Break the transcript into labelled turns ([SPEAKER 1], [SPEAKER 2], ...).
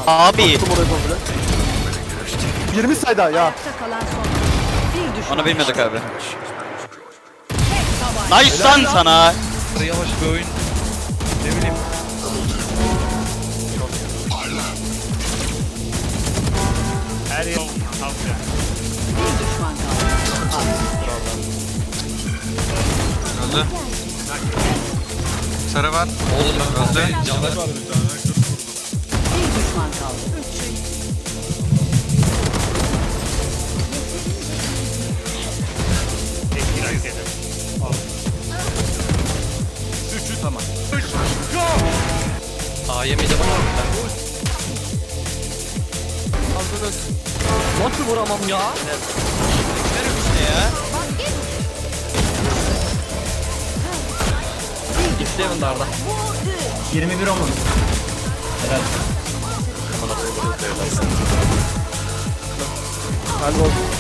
[SPEAKER 1] Abi.
[SPEAKER 2] Tuttum orayı komple. 20 sayda ya.
[SPEAKER 3] Ayakta kalan son. Bir düşman.
[SPEAKER 1] Onu bilmiyorduk abi. Nice lan sana.
[SPEAKER 4] Yavaş bir oyun. Ne bileyim.
[SPEAKER 5] Her yıl kalkıyor.
[SPEAKER 3] Bir düşman kaldı.
[SPEAKER 4] Öldü. Sarı var. Öldü.
[SPEAKER 3] Bir düşman kaldı.
[SPEAKER 5] Tekrar izledim. Üçü tamam.
[SPEAKER 6] Yemeyeceğim ama ben. Nasıl vuramam ya?
[SPEAKER 1] Verim işte ya.
[SPEAKER 6] Gitti evinde Arda.
[SPEAKER 7] 21 olmadı.
[SPEAKER 2] Hadi olsun.